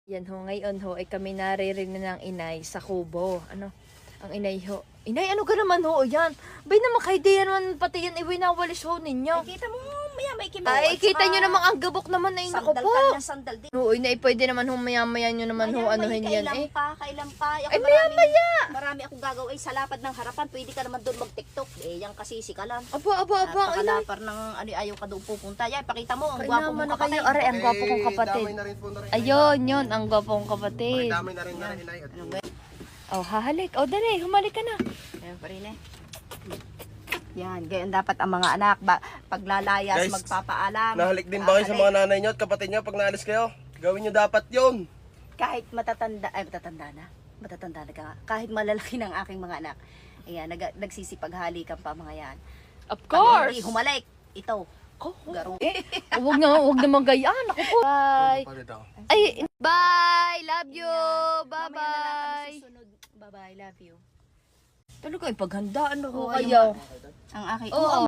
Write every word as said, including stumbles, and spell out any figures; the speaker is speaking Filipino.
Yan ho, ngayon ho, ay kami naririnig ng inay sa kubo. Ano? Ang inay ho. Inay, ano ka naman ho? Yan. Bay naman kayo di naman pati yan iwinawalis ho ninyo. Ay, kita mo, maya may kimaw. Ay, kita nyo namang ang gabok naman na inako Sandal po. ka ng sandal din. Oo, inay, pwede naman ho, maya-maya nyo naman ho, anuhin yan Kailan eh. pa, kailan pa. Ako Ay, maya-maya. Marami akong gagawin sa lapad ng harapan. Pwede ka naman doon mag-tiktok. Eh, yan kasi sikalan. Aba, aba, aba, inay. Napakalapar ng ano, ayaw ka doon pupunta. Yan, pakita mo, ang Kaya gwapo naman mong na kayo. kapatid. Aray, ang gwapo kong kapatid. Damay na rin po na rin. Ayun, yun, ang gwapo kong kapatid. Damay na rin na rin, inay. At Ano ba? Oh, hahalik. Oh, dali, humalik ka na. Ayan pa rin eh. Yan, ganyan dapat ang mga anak. Ba, paglalayas, Guys, magpapaalam. Nahalik din ba kayo sa Hahalik. mga nanay nyo at kapatid nyo pag naalis kayo? Gawin nyo dapat yun. Kahit matatanda, ay matatanda na. Matatanda na ka. Kahit malalaki ng aking mga anak. Ayan, nag, nagsisipaghalikan pa mga yan. Of Pag course. hindi humalik, ito. Oh, Garo. Huwag na, huwag naman gayaan. Ako po. Bye. Ay, bye. Love you. Mamaya na lang kami Bye-bye. susunod. Bye-bye, love you. Talaga, ipaghandaan ako Oo, kayo. Ang aking, Oo.